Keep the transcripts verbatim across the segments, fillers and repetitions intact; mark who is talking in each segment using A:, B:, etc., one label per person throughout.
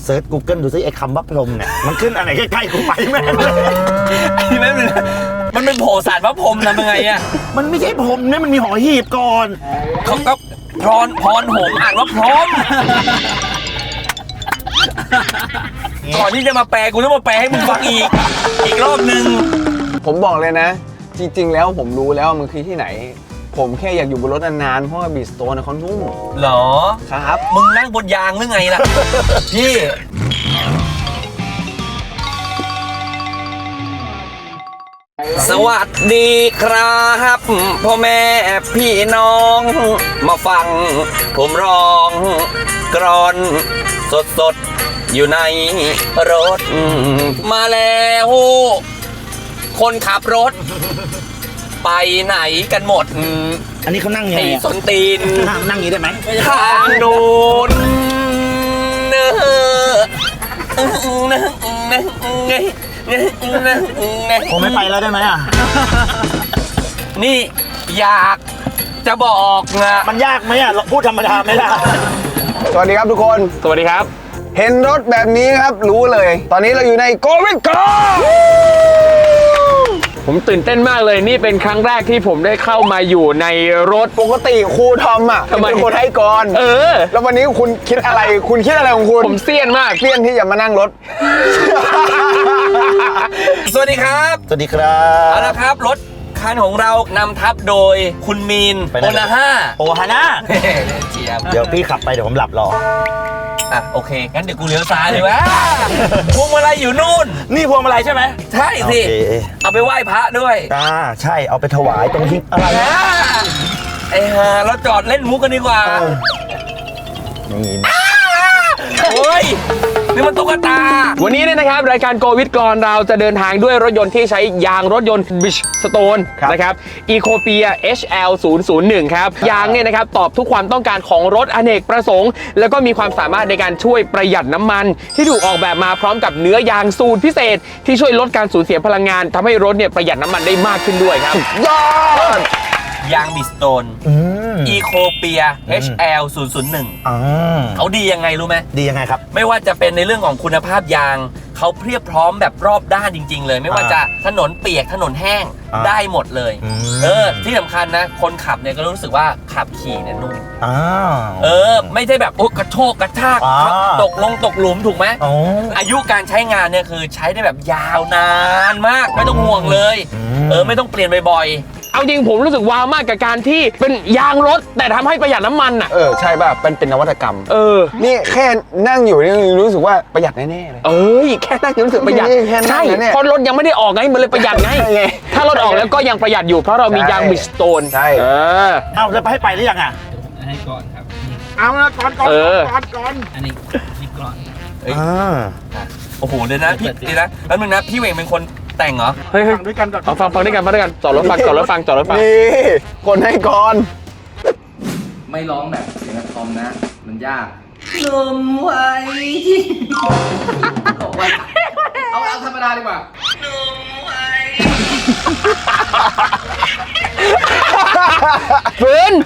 A: เซิร์ช Google ดูซิไอ้คำว่าพรหมเนี่ยมันขึ้นอะไรใกล้ๆกูไปแม่
B: พี่แม่เลยมันเป็นโผสารพระพรหมทำยังไงอ่ะ
A: มันไม่ใช่พรหมเนี่ยมันมีหอหีบก่อน
B: เขาก็พรพรหมอ่านว่าพรหมก่อนที่จะมาแปลกูต้องมาแปลให้มึงฟังอีกอีกรอบนึง
C: ผมบอกเลยนะจริงๆแล้วผมรู้แล้วมันคือที่ไหนผมแค่อยากอยู่บนรถนานๆเพราะว่าบีสโตนเขานุ่ม
B: เหรอ
C: ครับ
B: มึงนั่งบนยางหรือไงล่ะพี่สวัสดีครับพ่อแม่พี่น้องมาฟังผมร้องกรอนสดๆอยู่ในรถมาแล้วคนขับรถไปไหนกันหมด
A: อันนี้เขานั่งไง
B: สนตีน
A: นั่งนั่งนี้ได้ไหม
B: ทางโน้นเนอ
A: ผมไม่ไปแล้วได้ไหมอ่ะ
B: นี่อยากจะบอกนะ
A: มันยากไหมอ่ะพูดธรรมดาไหมล่ะ
C: สวัสดีครับทุกคน
B: สวัสดีครับ
C: เห็นรถแบบนี้ครับรู้เลยตอนนี้เราอยู่ในโกวิดกอ
D: ผมตื่นเต้นมากเลยนี่เป็นครั้งแรกที่ผมได้เข้ามาอยู่ในรถ
C: ปกติครูทอมอ่ะเป็นคนให้ก่อน
D: เออ
C: แล้ววันนี้คุณคิดอะไรคุณคิดอะไรของคุณ
D: ผมเซียนมาก
C: เซียนที่จะมานั่งรถ
B: สวัสดีครับ
A: สวัสดีครับ
B: เอาละครับรถคันของเรานำทัพโดยคุณมีนโอนาห้า
A: โอฮาน่าเดี๋ยวพี่ขับไปเดี๋ยวผมหลับรอ
B: อ่ะโอเคงั้นเดี๋ยวกูเลี้ยวซ้ายเลยวะพวงมาลัยอยู่นู่น
A: นี่พวงมาลัยใช่ไหม
B: ใช่สิเอาไปไหว้พระด้วย
A: อ่าใช่เอาไปถวายตรงที่อะไร
B: ไอ้ห่าเราจอดเล่นมุกกันดีกว่า
A: นี่
B: โอ้ยนี่มันตุ๊กตา
D: วันนี้เนี่ยนะครับรายการโกวิดกรเราจะเดินทางด้วยรถยนต์ที่ใช้ยางรถยนต์ Bridgestone นะครับ Ecopia เอช แอล ศูนย์ ศูนย์ หนึ่ง ครับยางเนี่ยนะครับตอบทุกความต้องการของรถอเนกประสงค์แล้วก็มีความสามารถในการช่วยประหยัดน้ำมันที่ถูกออกแบบมาพร้อมกับเนื้อยางสูตรพิเศษที่ช่วยลดการสูญเสียพลังงานทำให้รถเนี่ยประหยัดน้ำมันได้มากขึ้นด้วยครับ
C: ยอด
B: ยางบิสโตนอีโคเปีย เอช แอล ศูนย์ ศูนย์ หนึ่งเขาดียังไงรู้ไหม
A: ดียังไงครับ
B: ไม่ว่าจะเป็นในเรื่องของคุณภาพยางเขาเพียบพร้อมแบบรอบด้านจริงๆเลยไม่ว่าจะถนนเปียกถนนแห้งได้หมดเลยเออที่สำคัญนะคนขับเนี่ยก็รู้สึกว่าขับขี่เนี่ยนุ่มเออไม่ใช่แบบโอ้กระโชกกระชากตกลงตกหลุมถูกไหมอายุการใช้งานเนี่ยคือใช้ได้แบบยาวนานมากไม่ต้องห่วงเลยเออไม่ต้องเปลี่ยนบ่อย
D: เอาจริงผมรู้สึกว้าวมากกับการที่เป็นยางรถแต่ทำให้ประหยัดน้ำมันอ่ะ
C: เออใช่ป่ะเป็นเป็นนวัตกรรม
D: เออ
C: นี่แค่นั่งอยู่นี่รู้สึกว่าประหยัดแน่ๆเลย
D: เอ้ยแค่นั่งรู้สึกประหยัดใช่เพราะรถยังไม่ได้ออกไงมันเลยประหยัดไงถ้ารถออกแล้วก็ยังประหยัดอยู่เพราะเรามียางบิสโตน
C: ใช่
D: เออ
A: เอาแล้วไปให้ไปหรือยังอ่ะ
E: ให้ก่อนครับ
A: เอาละก่อนก่อนก่อนก่อน
E: อันนี้นี่ก่อน
B: อ่าโอ้โหเดี๋ยวนะพี่ดีนะแล้วมึงนะพี่เวงเป็นคนแต่งเหรอ
D: เฮ้ยฟังด้วยกันก่อนฟังฟังด้วยกันฟังด้วยกันจอดรถฟังจอดรถฟังจอดรถฟัง
C: นี่คนให้ก่อน
E: ไม่ร้องแบบเสียงทอมนะมันยากลมไว้ที่เอาเอาธรรมดาดีกว่าลมไว้
D: ฝืน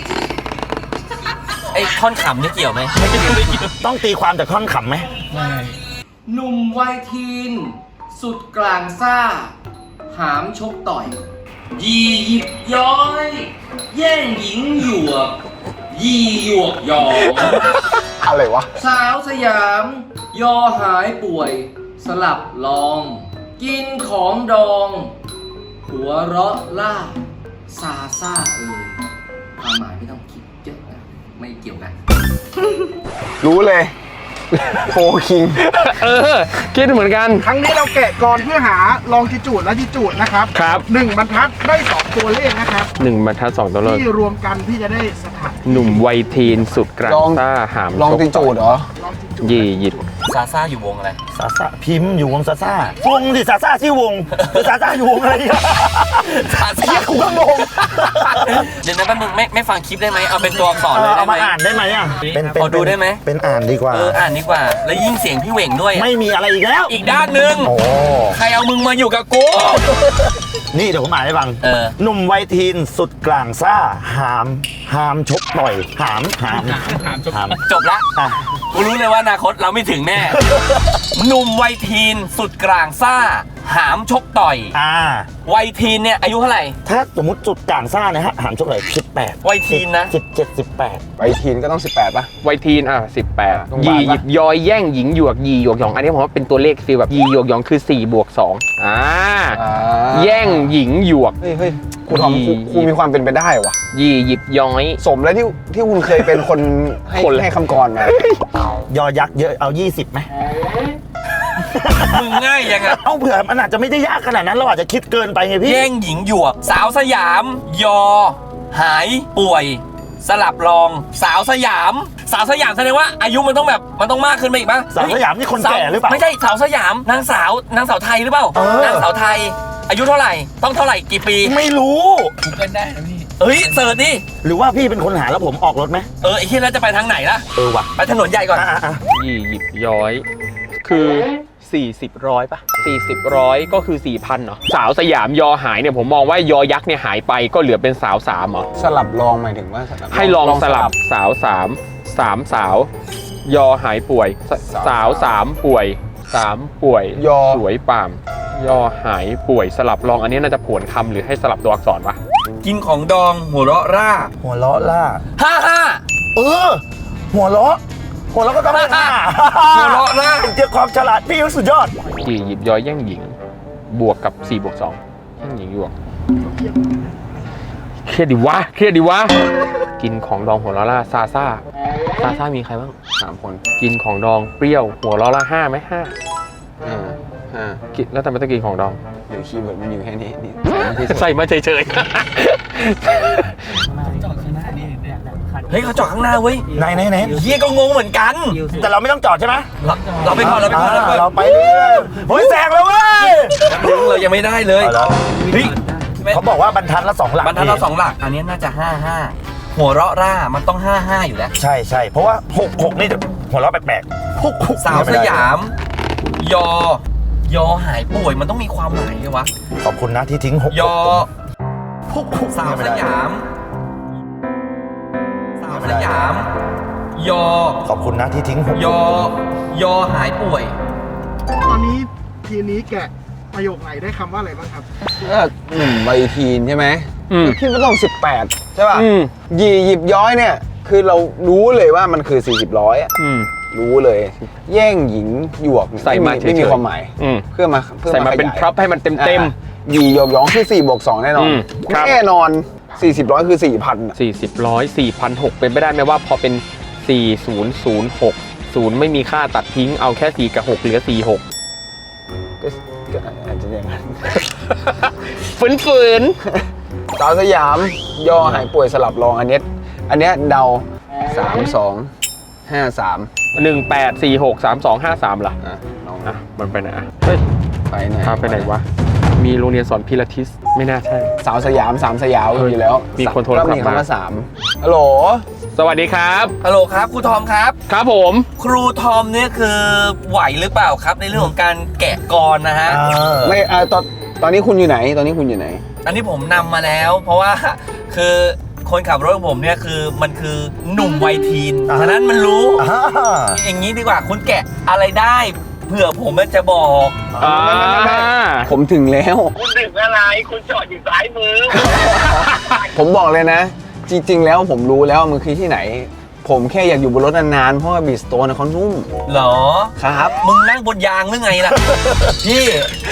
B: ไอ้ท่อนขำนี่เกี่ยวไหม
A: ต้องตีความจากท่อนขำไหม
E: ไม่หนุ่มวัยทีนสุดกลางซ่าหามชกต่อยยี่หยิบย้อยแย่งหญิงหยวกยี่หยวกยอม
C: อะไรวะ
E: สาวสยามยอหายป่วยสลับลองกินของดองหัวเราะล่าซาซ่าเอ่ยความหมายไม่ต้องคิดเยอะนะไม่เกี่ยวกัน
C: รู้เลยโฟคิง
D: เออคิดเหมือนกัน
F: ครั้งนี้เราแกะก่อนเพื่อหาลองจิจูดและจิจูดนะครับ
D: ครับ
F: หนึ่งบรรทัดได้สองตัวเลขนะครับ
D: หนึ่งบรรทัดสองตัวเลข
F: ที่รวมกันที่จะได้สถาน
D: หนุ่มวัยทีนสุดกลางซ่าหาม
C: ลองจิจูดเหรอ
D: ยี่หยิบ
B: ซาซ่าอยู่วงอะไร
A: ซาซ่าพิมพ์อยู่วงซาซ่าวงดิซาซ่าชื่อวงหรือซาซ่าอยู่วงอะไร
B: ซาซ่า
A: กูก็งง
B: เดี๋ยวนะแป๊บนึงไม่ไม่ฟังคลิปได้ไหมเอาเป็นตัวอักษรเลย
A: ได้ไหมเอามาอ่านได้ไหมอ่ะ
B: เป็นพอดูได้ไหม
A: เป็นอ่านดีกว่า
B: เอออ่านดีกว่าแล้วยิ่งเสียงพี่เหว่งด้วย
A: ไม่มีอะไรอีกแล้ว
B: อีกด้านหนึ่งใครเอามึงมาอยู่กับกู
A: นี่เดี๋ยวผมอ่านให้ฟัง
B: เออ
A: หนุ่มวัยทีนสุดกลางซ่าหามหามชกต่อยหามหาม
B: หามจบละกูรู้เลยว่าอนาคตเราไม่ถึงแน่ หนุ่มวัยทีนสุดกลางซ่า หามชกต่อย
A: อ่า
B: วัยทีนเนี่ยอายุเท่าไหร่
A: ถ้าสมมติจุดกลางซ่านะฮะหามช่วงไหนสิบแปด
B: วัยทีนนะ
A: สิบเจ็ดสิบแปด
C: ไปทีนก็ต้องสิบแปดป่ะ
D: วัยทีนอ่ะสิบแปด
C: ต้อง
D: ยี
C: บาทปะ
D: หยิบยอยแย่งหญิงหยวกยีหยวกหยองอันนี้ผมว่าเป็นตัวเลขฟีลแบบยีหยวกหยองคือสี่บวกสองอ่า
C: อ่า
D: แย่งหญิงหยวก
C: เฮ้ยเฮ้ยครูทอมครู
D: ยี
C: ครูมีความเป็นไปได้วะ
D: ยีหยิบย้อย
C: สมแล้วที่ที่คุณเคยเป็นคนให้
D: คนละ
C: ให้คำกรมา
A: ยอยักษ์เยอะเอายี่สิบไหม
B: มึงง่ายยังไง
A: เอาเผื่อมันอาจจะไม่ได้ยากขนาดนั้นเราอาจจะคิดเกินไปไงพี่
B: แย่งหญิงหยวก สาวสยาม ยอ หายป่วย สลับรอง สาวสยาม สาวสยามแสดงว่าอายุมันต้องแบบมันต้องมากขึ้นไปอีกป่ะ
A: สาวสยามนี่คนแก่หรือเปล่า
B: ไม่ใช่สาวสยามนางสาวนางสาวไทยหรือเปล่า
A: เออ
B: นางสาวไทย อายุเท่าไหร่ต้องเท่าไหร่กี่ปี
A: ไม่รู้
B: เฮ้ยเสิร์ชดิ
A: หรือว่าพี่เป็นคนหาแล้วผมออกรถไหม
B: เออไอ้ที่แล้วจะไปทางไหนล่ะ
A: เออว่ะ
B: ไปถนนใหญ่ก่อน
A: อ่ะอ่ะอ่ะ
D: ยี่หยิบย้อย คือ40ร้อยป่ะ40ร้อยก็คือ 4,000เนาะสาวสยามยอหายเนี่ยผมมองว่ายอยักษ์เนี่ยหายไปก็เหลือเป็นสาวสามเหรอ
C: สลับลองหมายถึงว่าสลับ
D: ให้ลองสลับสาวสามสามสาว ยอหายป่วย สสาวสามป่วยสามป่วย
C: ยอ
D: สวยป่าม ยอหายป่วยสลับลองอันนี้น่าจะผวนคำหรือให้สลับตัวอักษรวะ
B: กินของดองหัวเราะร่า
A: หัวเราะล่า
B: ห้าห้า
A: เออ หัวเราะหัวเราะก็ต้องเป็นห้า
B: หัวเราะล่า
A: เจ้าความฉลาดพี่สุดยอด
D: กี่หยิบย้อยแย่งหญิง บวกกับ4บวกสองแย่งหญิงบวกเครียดดิวะเครียดดิวะกินของดองหัวเราะล่าซาซ่าซาซ่ามีใครบ้าง
C: สามคน
D: กินของดองเปรี้ยวหัวเราะล่าห้าไหมห้า
C: ห้าห้า
D: กินแล้วทำไมต้องกินของดอง
C: เดี๋ยวคีย์เวิร์ดมันอยู่แค่นี้นี่
D: ใส่มาเฉย
B: เฮ้ยเขาจอดข้างหน้าเว้ย
A: ไหนไหนไหน
B: เฮียก็งงเหมือนกัน
A: แต่เราไม่ต้องจอดใช่ไหม
B: เราเราไปก่อนเราไปก่อนเราไปก่อน
A: เราไปเรื่อยๆเฮ้ยแซงแล้วเว้ย
B: เรายังไม่ได้เลย
A: เอาแล้ว
B: เฮ้ย
A: เขาบอกว่าบรรทัดละสองหลัก
B: บรรทัดเราสองหลัก อันนี้น่าจะห้าห้าหัวเราะร่ามันต้องห้าห้าอยู่แล้ว
A: ใช่ใช่เพราะว่าหกหกนี่จะหัวเราะแปลกๆหกหก
B: สาวสยาม ยอ ยอหายป่วยมันต้องมีความหมายเลยวะ
A: ขอบคุณนะที่ทิ้งหก
B: ยอ
A: หกหก
B: สาวสยาม สาวสยาม ยอ
A: ขอบคุณนะที่ทิ้งหก
B: ยอ ยอหายป่วย
F: ตอนนี้ทีนี้แกะประโยคไหนได้คำว่าอะไรบ้างครับ
C: ก็หนุ่มวัยทีนใช่ไหม
D: ๆอืม
C: คิดว่าต้องสิบแปดใช่ป่ะ
D: อืม
C: หยีหยิบย้อยเนี่ย คือเรารู้เลยว่ามันคือสี่สิบร้อยอะ
D: อืม
C: รู้เลย แย่งหญิงหยวกเนี่ย
D: ใส่มา
C: ไม่มี
D: เฉยๆ
C: ไม่มีความหมาย
D: อืม
C: เพื่อมาเพื่อ
D: ใส่มาเป็น
C: ขยย
D: พร็อพให้มันเต็มเต็ม
C: อ่าหยีหยกหยองคือสี่บวกสองแน่นอน
D: อืมครับ
C: แน่นอนสี่สิบร้อยคือสี่พัน
D: สี่สิบร้อยสี่พันหกเป็นไปได้ไหมว่าพอเป็นสี่ศูนย์ศูนย์หกศูนย์ไม่มีค่าตัดทิ้งเอาแค่สี่กับหกเหลือสี่หก
C: ก็ก็อาจจะอย่างนั้น
D: ฝืนฝืน
C: สาวสยามยอหายป่วยสลับรองอันเนี้ยอันเนี้ยเดาสามสองห้าสาม
D: หนึ่งแปดสี่หกสามสองห้าสามล่ะ
C: อ่ะน้อง
D: อ่ะมันไปไหนอ่ะเฮ้ย
C: ไปไหน
D: พาไปไหนวะ มีโรงเรียนสอนพิลาทิสไม่น่าใช่
C: สาวสยามสามสยาม
D: เออ
C: อยู่แล้ว
D: มีคนโทรศัพท์
C: ก็มี
D: มา
C: คำว่าสามฮัลโหล
D: สวัสดีครับ
B: ฮัลโหลครับครูทอมครับ
D: ครับผม
B: ครูทอมเนี่ยคือไหวหรือเปล่าครับในเรื่องของการแกะกรนะฮะ
A: เออ
C: ไม่อ่ะตอนตอนนี้คุณอยู่ไหน ตอนนี้คุณอยู่ไหน
B: อันนี้ผมนำมาแล้ว เพราะว่าคือคนขับรถของผมเนี่ยคือมันคือหนุ่มวัยทีน
A: อ่า
B: ฉะนั้นมันรู้
A: อ่า
B: อย่างนี้ดีกว่าคุณแกะอะไรได้เผื่อผมจะบอก
D: อ่า
C: ผมถึงแล้ว
G: คุณดึกอะไร คุณจอดอยู่ซ้ายมือ
C: ผมบอกเลยนะ จริง ๆ แล้วผมรู้แล้วมันคือที่ไหน ผมแค่อยากอยู่บนรถนานๆ เพราะว่าบีสโตนเขานุ่ม
B: เหรอ
C: ครับ
B: มึงนั่งบนยางหรือไงล่ะ พี่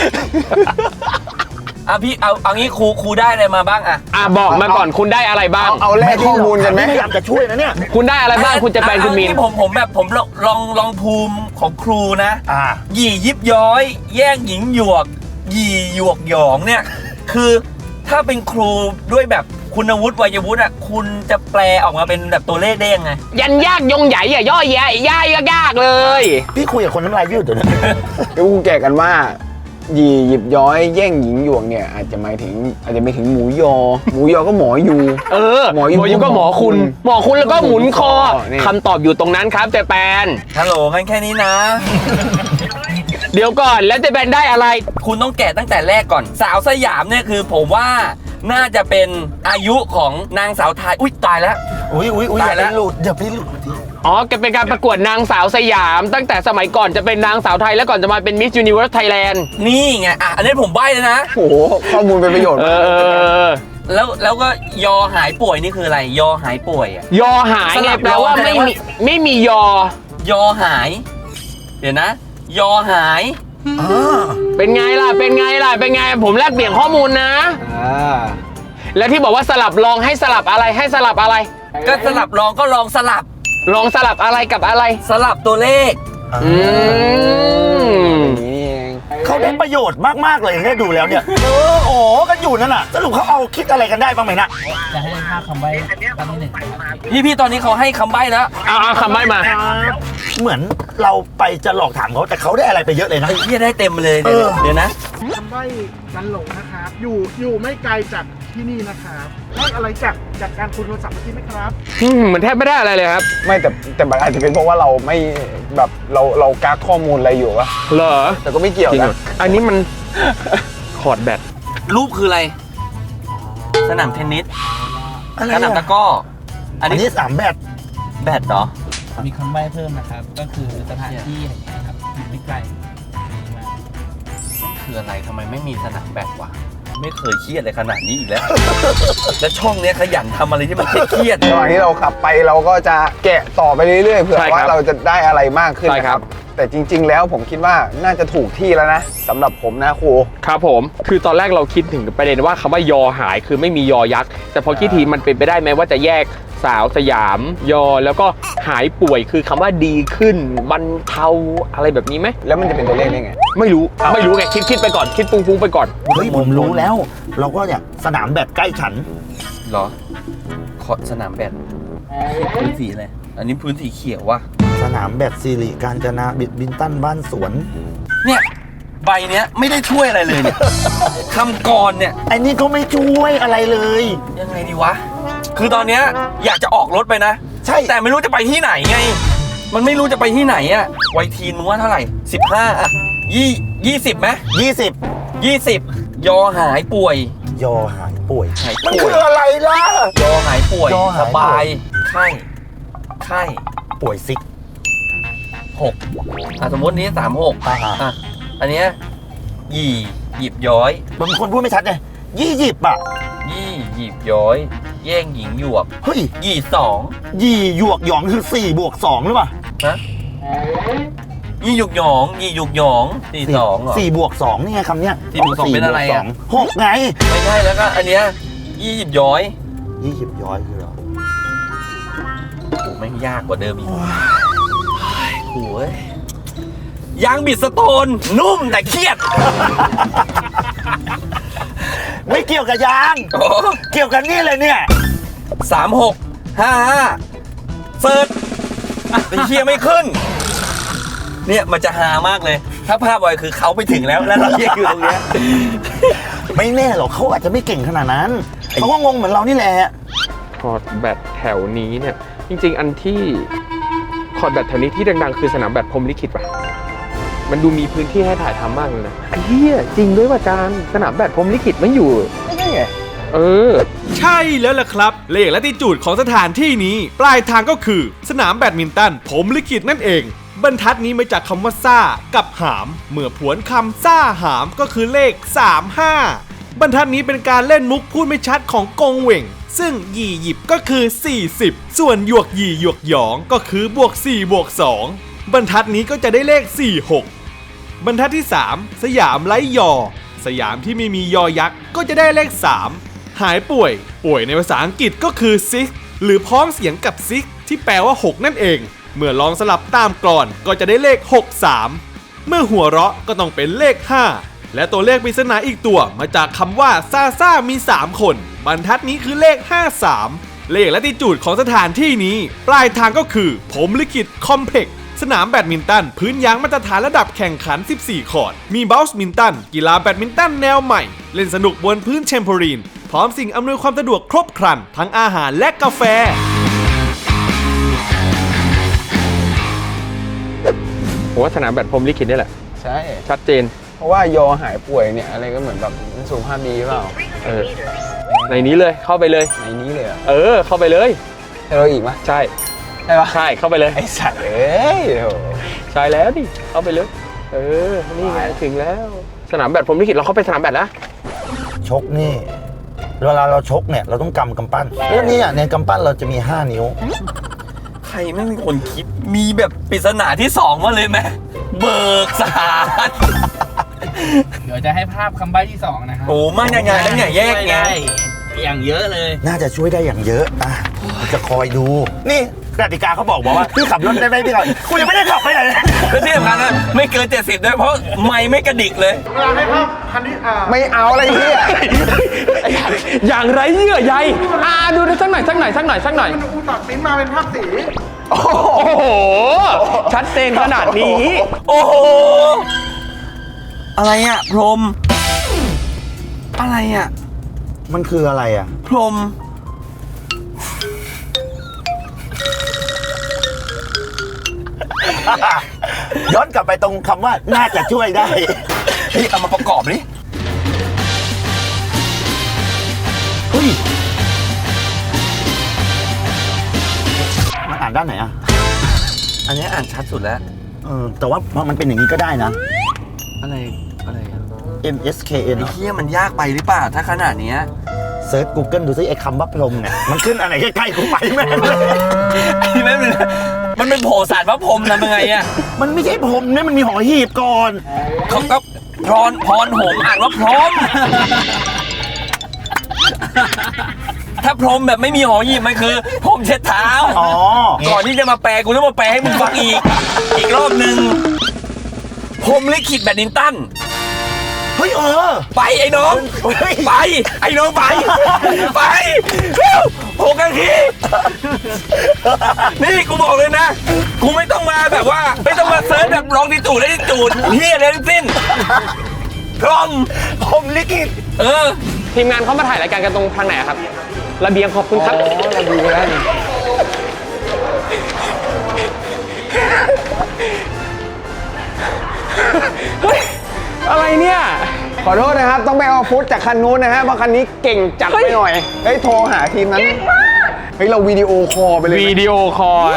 B: อ่ะพี่เอาเอางี้ครูครูได้อะไรมาบ้างอะ
D: อ่ะบอกมาก่อนคุณได้อะไรบ้าง
C: เอาเอาแลกข้อมูลกันไหม
A: พยายามจะช่วยนะเนี่ย
D: คุณได้อะไรบ้างคุณจะแปลงคุณมีน
B: เอางี้ผมผมแบบผมลองลองลองภูมิของครูนะ
A: อ่า
B: หยี่ยิบย้อย แย่งหญิงหยวก หยี่หยวกหยองเนี่ย คือถ้าเป็นครูด้วยแบบคุณวุฒิวัยวุฒิอ่ะคุณจะแปลออกมาเป็นแบบตัวเลขได้ยังไง
D: ยันยากยงใหญ่อย่าย่อแย่ย่ายยากๆเลย
A: พี่คุยกับคนน้ำลายยืดอยู่เนี่ย
C: เดี๋ยวกูแก่กันว่าหยีหยิบย้อยแย่งหญิงหยวกเนี่ยอาจจะหมายถึงอาจจะไม่ถึงหมูยอ หมูยอก็หมอยู
D: เออ
C: หมอยู
D: ยูก็หมอคุณ หมอคุณแล้วก็หมุนคอ
C: นี่
D: คำตอบอยู่ตรงนั้นครับเจแปน
B: ฮัลโหลงั้นแค่นี้นะ
D: เดี๋ยวก่อนแล้วเจแปนได้อะไร
B: คุณต้องแกะตั้งแต่แรกก่อน สาวสยามเนี่ยคือผมว่าน่าจะเป็นอายุของนางสาวไทย อุ้ยตายแล้ว
A: อุ้ยอุ้ยอุ้ยอ
B: ตาย
A: ย่า
B: แล้
A: ไป
B: ว
A: หลุดอย่าไปหลุด
D: อ๋อแกเป็นการประกวดนางสาวสยาม ตั้งแต่สมัยก่อนจะเป็นนางสาวไทยแล้วก่อนจะมาเป็นมิสยูนิเวิร์สไทยแลนด์
B: นี่ไงอ่ะอันนี้ผมใบ้แล้วนะ
C: โอ้โหข้อมูลเป็นประโยชน์
D: เอ
C: มาก
D: อ
B: แล้วแล้วก็ยอหายป่วยนี่คืออะไร ยอหายป่วยอ่ะ
D: ยอหายไงแปลว่าไม่มีไม่มียอ
B: ยอหาย เดี๋ยวนะ ยอหาย
D: เป็นไงล่ะ เป็นไงล่ะ เป็นไง ผมแลกเปลี่ยนข้อมูลนะ
C: อ่า
D: แล้วที่บอกว่าสลับลองให้สลับอะไรให้สลับอะไร
B: ก็สลับลองก็ลองสลับ
D: ลองสลับอะไรกับอะไร
B: สลับตัวเลข
D: อืม
C: อย่างนี้นี่เอง
A: เขาได้ประโยชน์มากๆเลยเนี่ยดูแล้วเนี่ยเออโอ้กันอยู่นั่นน่ะสรุปเขาเอาคิดอะไรกันได้บ้างไหมนะ
E: จะให้ภาคคำใบ้ตอนที่หนึ่งนะครับ
B: พี่พี่ตอนนี้เขาให้คำใบ้แล้ว
D: เอาเอาคำใบ้มา
A: เหมือนเราไปจะหลอกถามเขาแต่เขาได้อะไรไปเยอะเลยนะ
B: ไอ้เหี้ยได้เต็มเลย
A: เออ
B: เดี๋ยวนะ
F: คำใบ้กันหลงนะครับ อยู่อยู่ไม่ไกลจากที่นี่นะครับได้อะไรจากจากการคุยโทรศัพท์เมื่อกี้ไหมครับ
D: อืมเหมือนแทบไม่ได้อะไรเลยครับ
C: ไม่แต่แต่มันอาจจะเป็นเพราะว่าเราไม่แบบเราเรากักข้อมูลอะไรอยู่วะ
D: เหรอ
C: แต่ก็ไม่เกี่ยว
D: จริงเหร
C: นะ
D: ออันนี้มัน คอร์ดแบต
B: รูปคืออะไร สนามเทนนิส
A: อะไร
B: สนามตะ
A: อะ
B: กร้อ อั
A: อั
B: น
A: น
B: นี้
A: นี้สามแบบ
B: แบดเหรอ
E: มีคำใบ้เพิ่มนะครับ ก็คือสถานที่แห่งนี้ครับอยู่ไม่ไกลดีมาก
B: คืออะไรทำไมไม่มีสนามแบดวะไม่เคยเครียดเลยขนาดนี้อีกแล้ว และช่องเนี้ยขยันทำอะไรที่มันเครียด
C: ระหว่างที่เราขับไปเราก็จะแกะต่อไปเรื่อยๆเผื่อ
D: ใช่ครับ
C: ว่าเราจะได้อะไรมากขึ้น
D: ใช่
C: นะ
D: ค
C: ค
D: รั
C: รับ บ แต่จริง ๆ แล้วผมคิดว่าน่าจะถูกที่แล้วนะสำหรับผมนะครู
D: ครับผม คือตอนแรกเราคิดถึงประเด็นว่าคำว่ายอหายคือไม่มียอยักษ์ แต่พอคิดทีมันเป็นไปได้ไหมว่าจะแยกสาวสยาม ยอแล้วก็หายป่วยคือคำว่าดีขึ้นบรรเทาอะไรแบบนี้ไหม
C: แล้วมันจะเป็นตัวเลขได้ไง
D: ไม่รู้ ไม่รู้ไง คิดคิดไปก่อน คิดฟุ้งฟุ้งไปก่อน
A: เฮ้ยผมรู้แล้ว เราก็เนี่ยสนามแบบใกล้ฉัน
B: เหรอขอสนามแบดพื้นสีอะไร อันนี้พื้นสีเขียวว่ะ
A: สนามแบบสิริการจนาบิดบินตันบ้านสวน
B: เนี่ยใบเนี้ยไม่ได้ช่วยอะไรเลยเนี่ย คำกรเนี่ย
A: ไอ้นี่ก็ไม่ช่วยอะไรเลย
B: ยังไงดีวะ คือตอนเนี้ยอยากจะออกรถไปนะ
A: ใช่
B: แต่ไม่รู้จะไปที่ไหนไง มันไม่รู้จะไปที่ไหนอะไวทีนว่าเท่าไหร่สิบห้าอะยี่ยี่สิบไหม
A: ยี่สิบ
B: ยี่สิบยอหายป่วย
A: ยอหายป่วย
B: หาย
A: มัน
B: ป่วย
A: คืออะไรล่ะ
B: ยอหายป่วย
A: ยอหายป่วย
B: สบาย ไข้ ไข้
A: ป่วยซิก
B: หกอ่ะสมมตินี้สามหก
A: อ่า
B: อ่ะ อันเนี้ยหยี่หยิบย้อย
A: บางคนพูดไม่ชัดไงยี่สิบอ่ะ
B: ยี่หยิบย้อย แย่งหญิงหยวก
A: เฮ้ย
B: หยี่สอง
A: ยี่หยวกหยองคือสี่บวกสองหรือเปล่า
B: นะยี่หยุกหยองยี่หยุกหยองสี่สองเหรอ
A: สี่บวกสองนี่ไงคำเนี้ย
B: สี่บวกสองเป็นอะไรอะ
A: หกไง
B: ไม่ใช่แล้วก็อันเนี้ยยี่หยิบย้อย
A: ยี่สิบย้อยคืออะไร
B: โอ้แม่งยากกว่าเดิมอีกโอ้ยยางบิดสโตน นุ่มแต่เครียด
A: ไม่เกี่ยวกับยาง
B: โอ้
A: เกี่ยวกับนี่เลยเนี่ย
B: สามหกห้าห้าเฟิร์สแต่เคียไม่ขึ้น เนี่ยมันจะฮามากเลย ถ้าภาพไว้คือเขาไปถึงแล้วแล้วเราเรียกอยู่ตรงเนี้ย
A: ไม่แน่หรอกเขาอาจจะไม่เก่งขนาดนั้นเขาก็งงเหมือนเรานี่แหละ
D: คอร์ดแบตแถวนี้เนี่ย จริง ๆ อันที่คอร์ดแบตแถวนี้ที่ดังๆคือสนามแบตพรหมลิขิตป่ะ มันดูมีพื้นที่ให้ถ่ายทำมากเลยนะไอ้เหี้ยจริงด้วยว่ะจานสนามแบตพรหมลิขิตไม่อยู่
C: ไม่ใช่ไง
D: เออ
H: ใช่แล้วล่ะครับ เลขและติจูดของสถานที่นี้ ปลายทางก็คือสนามแบดมินตันพรหมลิขิตนั่นเอง บรรทัดนี้มาจากคำว่าซ่ากับหาม เมื่อผวนคำซ่าหามก็คือเลขสามห้าบรรทัดนี้เป็นการเล่นมุกพูดไม่ชัดของกงเหว่ง ซึ่งหยี่หยิบก็คือสี่สิบส่วนหยวกหยี่หยวกหยองก็คือบวกสี่บวกสองบรรทัดนี้ก็จะได้เลขสี่หกบรรทัดที่สามสยามไร้ยอ สยามที่ไม่มียอยักษ์ก็จะได้เลขสามหายป่วย ป่วยในภาษาอังกฤษก็คือ sick หรือพ้องเสียงกับ sick ที่แปลว่าหกนั่นเอง เมื่อลองสลับตามกลอนก็จะได้เลขหกสามเมื่อหัวเราะก็ต้องเป็นเลขห้าและตัวเลขปริศนาอีกตัวมาจากคำว่าซาซ่ามีสามคนบรรทัดนี้คือเลขห้าสามเลขและติจูดของสถานที่นี้ ปลายทางก็คือพรหมลิขิตคอมเพล็กซ์สนามแบดมินตันพื้นยางมาตรฐานระดับแข่งขันสิบสี่คอร์ตมีเบลส์มินตันกีฬาแบดมินตันแนวใหม่เล่นสนุกบนพื้นเทมโพรีนพร้อมสิ่งอำนวยความสะดวกครบครันทั้งอาหารและกาแฟ
D: ผมว่าสนามแบตพรหมลิขิตนี่แหละ
C: ใช่
D: ชัดเจน
C: เพราะว่ายอหายป่วยเนี่ยอะไรก็เหมือนแบบสุขภาพดีเปล่า
D: เออ ในนี้เลยเข้าไปเลย
C: ในนี้เลยเหรอ
D: เออ เข้าไปเลย
C: ให้เราอีกไหม
D: ใช่
C: ใช่ปะ
D: ใช่เข้าไปเลย
C: ไอ้สัตว์เอ้ยโห
D: ใช่แล้วดิเข้าไปเลยเออนี่ไงถึงแล้ว สนามแบดผมลิขิตเราเข้าไปสนามแบดแล้ว
A: ชกนี่เวลาเราชกเนี่ยเราต้องกำกำปั้นแล้วนี่อ่ะในกำปั้นเราจะมีห้านิ้ว
B: ใครไม่มีคนคิดมีแบบปริศนาที่สองมาเลยไหมเบิกสาร
E: เดี๋ยวจะให้ภาพคำใบ้ที่สองนะครับ
B: โอ้ไม่ยังไงแล้วเนี่ยแยกไง
E: อย่างเยอะเลย
A: น่าจะช่วยได้อย่างเยอะอ่ะจะคอยดู นี่กติกาเขาบอกบอกว่าพี่ขับรถได้ไหมพี่ขับกูยังไม่ได้ขับไปไหนเลย
B: แล้วที่สำคัญนะไม่เกินเจ็ดสิบด้วยเพราะไม่ไม่กระดิกเลย
F: เวลาให้ภาพคันนี้อ่า
C: ไม่เอาอะไรเหี้ย
D: อย่างไรเยื่อใยอ่าดูสักหน่อยสักหน่อยสักหน่อยสักหน่อย
F: มันอุตส่าห์ปริ้นมาเป็นภาพสี
D: โอ้โหชัดเจนขนาดนี้
B: โอ้โหอะไรอ่ะพรหมอะไรอ่ะ
A: มันคืออะไรอ่ะ
B: พรหม
A: ย้อนกลับไปตรงคำว่าน่าจะช่วยได้
B: เฮ้ยเอามาประกอบดิ
A: เฮ้ยมันอ่านด้านไหนอ่ะ
B: อันนี้อ่านชัดสุดแล้ว
A: เออแต่ว่ามันเป็นอย่างนี้ก็ได้นะ
B: อะไรอะไรอ่ะ
A: M S K N
B: ไอ้เหี้ยมันยากไปหรือเปล่าถ้าขนาดเนี้ย
A: เซิร์ช Google ดูซิไอ้คำว่าพรหมเนี่ยมันขึ้นอะไรใกล้ๆกูไปแม่งเลย
B: ไอ้แม่งเลยมันเป็นโผสารพระพรหมทำยังไงอ่ะ
A: มันไม่ใช่พรหมเนี่ยมันมีหอหีบก่อน
B: เขาก็พรพรหงอ่านว่าพรหมถ้าพรหมแบบไม่มีหอหีบมันคือพรหมเช็ดเท้า
A: อ๋อ
B: ก่อนที่จะมาแปลกูต้องมาแปลให้มึงฟังอีก อีกรอบหนึ่งพรหมลิขิตแบดมินตัน
A: เฮ้ยเออ
B: ไปไอ้น้อง
A: เฮ้ย
B: ไปไอ้น้องไป ไปเร็วหกนาทีนี่กูบอกเลยนะ กูไม่ต้องมาแบบว่า ไม่ต้องมาเซิร์ชแบบลองดิจูดได้ดิจูดเฮียอะไรทั้งสิ้นพร้อม
A: พรหมลิขิต
B: เออ
D: ทีมงานเขามาถ่ายรายการกันตรงทางไหนอะครับ ระเบียงขอบคุณครับ
C: ระเบียงแล้วนี่
D: เฮ้ย อะไรเนี่ย
C: ขอโทษนะครับ ต้องไปเอาฟุตจากคันนู้นนะฮะเพราะคันนี้เก่งจัดไปหน่อย เฮ้ย โทรหาทีมนั้นเฮ้ย เราวิดีโอคอลไปเลยไหม
D: วิดีโอคอล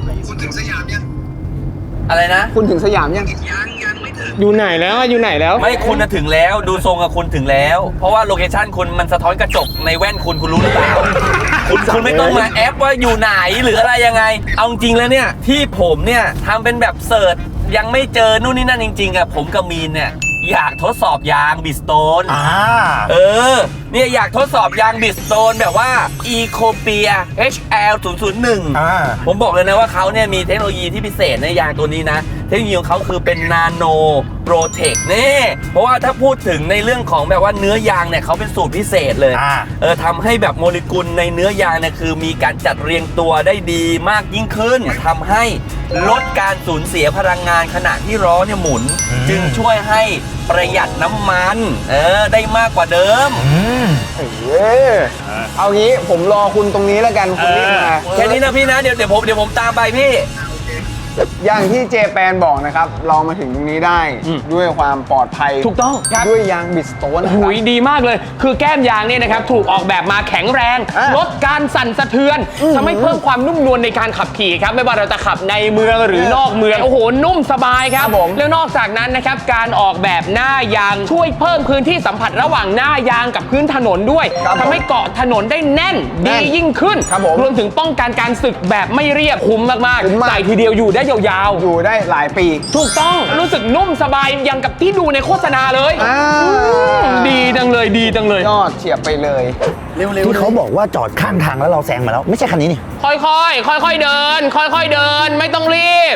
B: อะไรนะ
C: คุณถึงสยามยัง
D: อยู่ไหนแล้วอะอยู่ไหนแล้ว
B: ไม่คุณน่ะถึงแล้วดูทรงกับคุณถึงแล้ว เพราะว่าโลเคชั่นคุณมันสะท้อนกระจกในแว่นคุณคุณรู้หรือเปล่า คุณคุณไม่ต้องมาแอปว่าอยู่ไหนหรืออะไรยังไง เอาจริงแล้วเนี่ยที่ผมเนี่ยทำเป็นแบบเสิร์ชยังไม่เจอนู่นนี่นั่นจริงๆอะผมกับมีนเนี่ยอยากทดสอบยางบิสโตน
A: อ่า
B: เออเนี่ยอยากทดสอบยางบิสโตนแบบว่า e c o p i a เอช แอล ศูนย์ ศูนย์ หนึ่ง
A: อ่า
B: ผมบอกเลยนะว่าเขาเนี่ยมีเทคโนโลยีที่พิเศษในยางตัวนี้นะ เทคโนโลยีของเขาคือเป็นนาโนโปรเทคนี่เพราะว่าถ้าพูดถึงในเรื่องของแบบว่าเนื้อยางเนี่ยเขาเป็นสูตรพิเศษเลย
A: อ่า
B: เออทำให้แบบโมเลกุลในเนื้อยางเนี่ยคือมีการจัดเรียงตัวได้ดีมากยิ่งขึ้นทำให้ลดการสูญเสียพลังงานขณะที่ล้อเนี่ยหมุน จึงช่วยให้ประหยัดน้ำมันเออได้มากกว่าเดิม
A: อืม
C: เย้เอางี้ผมรอคุณตรงนี้แล้วกันคุณรีบมา
B: แค่นี้นะพี่นะเดี๋ยวเดี๋ยวผมเดี๋ยวผมตามไปพี่
C: อย่างที่เจแปนบอกนะครับ เรามาถึงตรงนี้ได้
D: อืม
C: ด้วยความปลอดภัย
D: ถูกต้องครับ
C: ด้วยยางบิสโตนนะค
D: หุ
C: รับ
D: ยดีมากเลย คือแก้มยางเนี่ยนะครับ ถูกออกแบบมาแข็งแรง
C: อ่ะ
D: ลดการสั่นสะเทือนทำให้เพิ่มความนุ่มนวลในการขับขี่ครับ ไม่ว่าเราจะขับในเมืองหรือนอกเมือง โอ้โห นุ่มสบายครับ
C: ครับผม
D: แล้วนอกจากนั้นนะครับ การออกแบบหน้ายางช่วยเพิ่มพื้นที่สัมผัสระหว่างหน้ายางกับพื้นถนนด้วย
C: ครับผม
D: ทำให้เกาะถนนได้แน่น
C: แน่
D: ดี
C: น
D: ยิ่งขึ้น
C: ครับผม
D: รวมถึงป้องกันการสึกแบบไม่เรียบคุ้มมาก
C: คุ้มมาก
D: ๆใส่ทีเดียวอยู่ได้ยาวๆ
C: อยู่ได้หลายปี
D: ถูกต้องรู้สึกนุ่มสบายอย่างกับที่ดูในโฆษณาเลย
C: อ่า
D: ดีจังเลยดีจังเลย
C: ยอดเฉียบไปเลย
A: ที่เขาบอกว่าจอดข้างทางแล้วเราแซงมาแล้ว ไม่ใช่คันนี้นี่
D: ค่อยๆ ค่อยๆ เดิน ค่อยๆ เดิน ไม่ต้องรีบ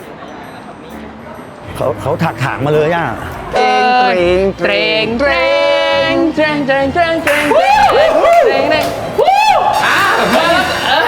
A: เขาเขาถักถางมาเลยอ่ะ
D: เตรงเตรงเตรงเตรงเตรงเตรงเตรงเตรงเตรงเตรงเตรงวู้อ่ะมาแล้วเออ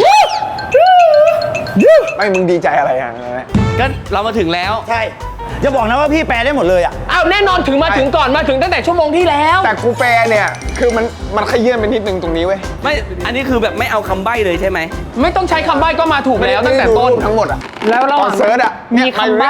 C: ไม่มึงดีใจอะไรอ่ะ
D: ก็เรามาถึงแล้ว
A: ใช่จะบอกนะว่าพี่แปลได้หมดเลยอ่ะ
D: อ้าวแน่นอนถึงมาถึงก่อนมาถึงตั้งแต่ชั่วโมงที่แล้ว
C: แต่กูแปลเนี่ย คือมันมันขยื่นไปนิดนึงตรงนี้เว้ย
I: ไม่ อันนี้คือแบบไม่เอาคำใบ้เลยใช่ไหม
D: ไม่ต้องใช้คำใบ้ก็มาถูกแล้วตั้งแต่ต้น
C: ไม่ได้ดูรูปทั้งหมดอ่ะ
D: แล้วเรา
C: ตอนเซิร์ชอะเนี่
D: มี
C: ย
D: คำใบ้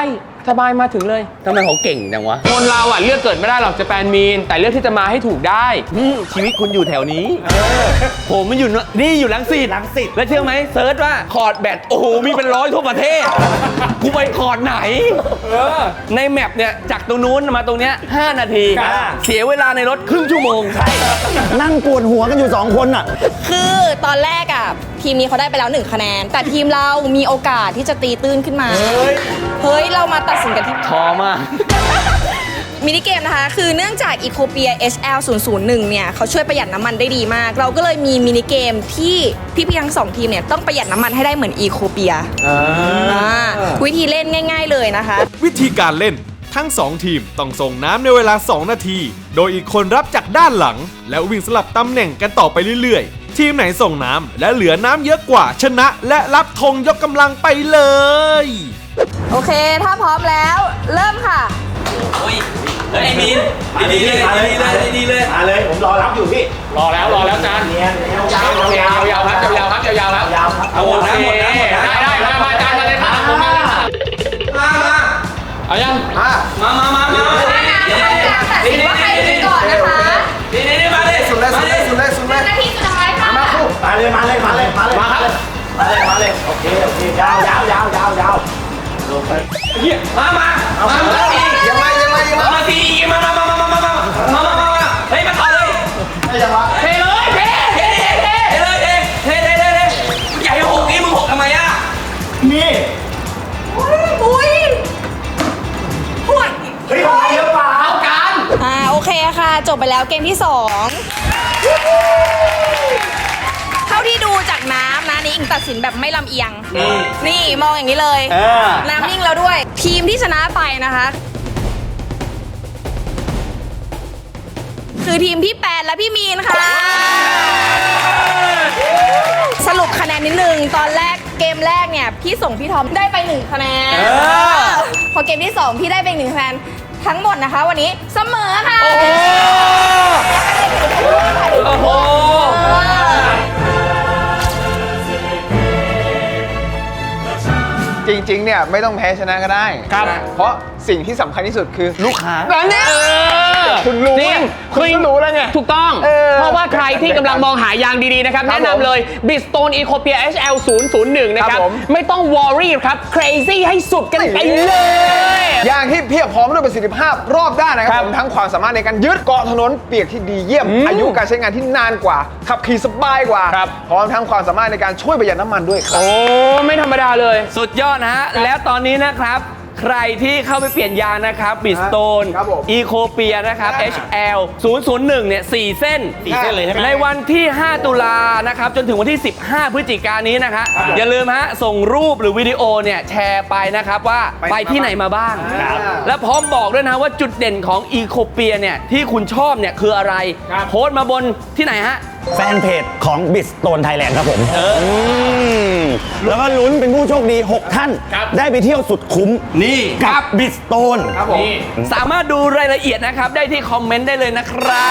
D: สบายมาถึงเลย
I: ทำไมเขาเก่งจังวะ
D: คนเราอ่ะเลือกเกิดไม่ได้หรอกจะแปนมีนแต่เลือกที่จะมาให้ถูกได้
I: อืมชีวิตคุณอยู่แถวนี้ผมมันอยู่นนี่อยู่ลังสิต
A: รังสิต
I: แล้วเชื่อไหมเซิร์ชว่าคอร์ดแบตโอ้โหมีเป็นร้อยทั่วประเทศ กูไปคอร์ดไหนในแมปเนี่ยจากตรงนู้นมาตรงเนี้ยห้านาที เสียเวลาในรถครึ่งชั่วโมง ใช่
A: นั่งปวดหัวกันอยู่สองคนอ่ะ
J: คือตอนแรกอ่ะทีมนี้เขาได้ไปแล้วหนึ่งคะแนน แต่ทีมเรามีโอกาสที่จะตีตื้นขึ้นมา เฮ้ย เรามาตัดสินกันที่
I: พอมาก
J: มินิเกมนะคะ คือเนื่องจาก Ecopia เอช แอล ศูนย์ ศูนย์ หนึ่ง เนี่ยเขาช่วยประหยัดน้ำมันได้ดีมาก เราก็เลยมีมินิเกมที่พี่ๆทั้งสองทีมเนี่ยต้องประหยัดน้ำมันให้ได้เหมือน Ecopia อ่าวิธีเล่นง่าย ๆเลยนะคะ
H: วิธีการเล่นทั้งสองทีมต้องส่งน้ำในเวลาสองนาที โดยอีกคนรับจากด้านหลัง แล้ววิ่งสลับตำแหน่งกันต่อไปเรื่อยๆ ทีมไหนส่งน้ำและเหลือน้ำเยอะกว่าชนะและรับธงยกกำลังไปเลย
J: โอเค ถ้าพร้อมแล้ว เริ่มค่ะ
B: โอ้ยเฮ้ยไอ้มีนดีๆเลยดีๆเลยดีๆเลย
A: มาเลย ผมรอรับอยู่พี่
D: รอแล้วรอแล้วจาน
A: เนียนยาว
D: ยาวยาวๆครับยาวๆครับยาวๆครับ
A: ยาวครับ
B: เอาหมดนะหมดนะหมดนะ
D: ได้ได้มามาจานมาเลยครับผมมาเลยครับ
B: มามา
D: เอายัง
B: มามามามามา
J: ตัดสินว่าใครดีก่อนนะคะ
B: นี่นี่นี่มาเลยสุดเลยสุดเลยสุดเลยสุดเลย
J: นาทีสุดท้ายค่ะ
A: มาเลย มาเลย มาเลย มาเลย มาเลย มาเลย มาเลย โอเค โอเค ยาวยาวยาวยาวยาวลงไป
B: มามามามาที
A: ยังไงยังไงยังไง
B: มาทีมามามามามามามามามามาเฮ้ยมาต่อเลย
A: ไม่ยังวะ
B: เทเลยเทเทเทเทเลยเทเทเทเทเทใหญ่หกนี่มึงหกทำไมอ่ะ
A: นี่
J: อุ้ยหวด
A: เฮ้ยของเยอะเปล่า
B: การ
J: อ่าโอเคค่ะ จบไปแล้วเกมที่สองเท่าที่ดูจากน้ำนะนี่อิงตัดสินแบบไม่ลำเอียง นี่มองอย่างนี้เลย
A: เออ
J: น้ำนิ่งแล้วด้วย ทีมที่ชนะไปนะคะ คือทีมพี่แปดและพี่มีนค่ะ สรุปคะแนนนิดนึง ตอนแรกเกมแรกเนี่ย พี่ส่งพี่ทอมได้ไปหนึ่งคะแนนพอเกมที่สองพี่ได้ไปหนึ่งคะแนนทั้งหมดนะคะ วันนี้เสมอค่ะ
B: โอ้โห
C: จริงๆ เนี่ยไม่ต้องแพ้ชนะก็ได้
D: ครับ
C: เพราะสิ่งที่สำคัญที่สุดคือลูกค้า
D: นั่นเนี่ย
C: คุณรู้
D: จริง
C: คุณก็รู้แล้วไง
D: ถูกต้อง
C: เออ
D: เพราะว่าใครที่กำลังมองหายางดีๆนะครับ
C: ครับ
D: แนะนำเลย Bridgestone Ecopia เอช แอล ศูนย์ ศูนย์ หนึ่ง นะครับ
C: ครับผม
D: ไม่ต้อง worry ครับ crazy ให้สุดกันไปเลย
C: ยางที่เพียบพร้อมด้วยประสิทธิภาพรอบด้านนะครับผมทั้งความสามารถในการยึดเกาะถนนเปียกที่ดีเยี่ยม
D: อืม
C: อายุการใช้งานที่นานกว่า ขับขี่สบายกว่า
D: ครับ
C: พร้อมทั้งความสามารถในการช่วยประหยัดน้ำมันด้วยครับ
D: โอ้ไม่ธรรมดาเลย
I: สุดยอดนะฮะ แล้วตอนนี้นะครับ ใครที่เข้าไปเปลี่ยนยางนะครับบิสโตน
C: ครับผม
I: อีโคเปียนะครับ เอช แอล ศูนย์ ศูนย์ หนึ่ง เนี่ย สี่ เส้น
A: สี่เส้นเลยใช่ไหม
I: ในวันที่ ห้า ตุลานะครับ จนถึงวันที่ สิบห้า พฤศจิกายนนี้นะฮะอย่าลืมฮะ ส่งรูปหรือวิดีโอเนี่ยแชร์ไปนะครับว่าไปที่ไหนมาบ้าง และพร้อมบอกด้วยนะว่าจุดเด่นของอีโคเปียเนี่ยที่คุณชอบเนี่ยคืออะไรโพสต์มาบนที่ไหนฮะ
A: แฟนเพจของบิสโตนไทยแลนด์ครับผมมแล้วก็ลุ้นเป็นผู้โชคดี หก ท่าน ได้ไปเที่ยวสุดคุ้ม
I: นี่
A: กับบิสโตน
I: สามารถดูรายละเอียดนะครับ ได้ที่คอมเมนต์ได้เลยนะครับ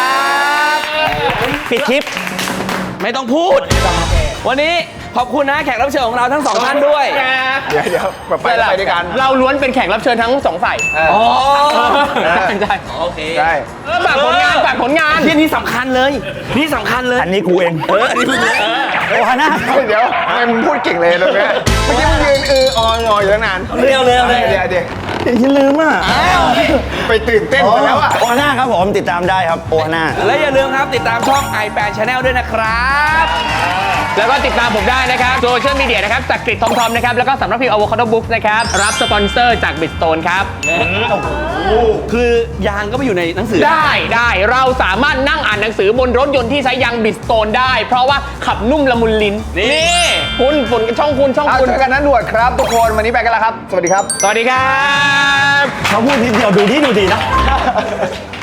A: ปิดคลิป
I: ไม่ต้องพูด วันนี้ขอบคุณนะแขกรับเชิญของเราทั้งสองท่านด้วย
C: เดี๋ยวเดี๋ยวแบบไปไปด้วยกัน
D: เราล้วนเป็นแขกรับเชิญทั้งสองฝ่าย
I: อ๋อ
D: ใช่
I: โอเค
C: ใช่
D: เออฝากผลงานฝากผลงาน
I: ที่นี่สำคัญเลย นี่สำคัญเลย
A: อันนี้กูเอง
I: เออ อันนี้เพิ่งเลย
A: โอ้ฮาน่า
C: เดี๋ยวทำไมมึงพูดเก่งเลยตรงเนี้ยเมื่อกี้มึงยืนเออออนออยู่ตั้งนาน
I: เร็วเลยเลย
C: เดี๋ยวเดี๋ยว
A: อย่าลืมอ่ะ
C: ไปตื่นเต้นไปแล้วอ่ะ
A: โอฮาน่าครับผมติดตามได้ครับโอฮาน่า
I: และอย่าลืมครับติดตามช่อง ไอ แปด Channel ด้วยนะครับ
D: แล้วก็ติดตามผมได้นะครับโซเชียลมีเดียนะครับจากกริดทอมทอมนะครับ แล้วก็สำนักพิมพ์ Avocado Books นะครับ รับสปอนเซอร์จาก Bridgestone ครับ
I: คือยางก็ไปอยู่ในหนังสือ
D: ได้ได้เราสามารถนั่งอ่านหนังสือบนรถยนต์ที่ใช้ยาง Bridgestone ได้ เพราะว่าขับนุ่มละมุนลิ้น นี่คุณฝนช่องคุณช่อง
C: เอา
D: คุณ
C: เจอกันนะหนวดครับทุกคนวันนี้ไปกันแล้วครับ สวัสดีครับ
D: สวัสดีครับ
A: เขาพูดนิดเดียวดูดีดูดีนะ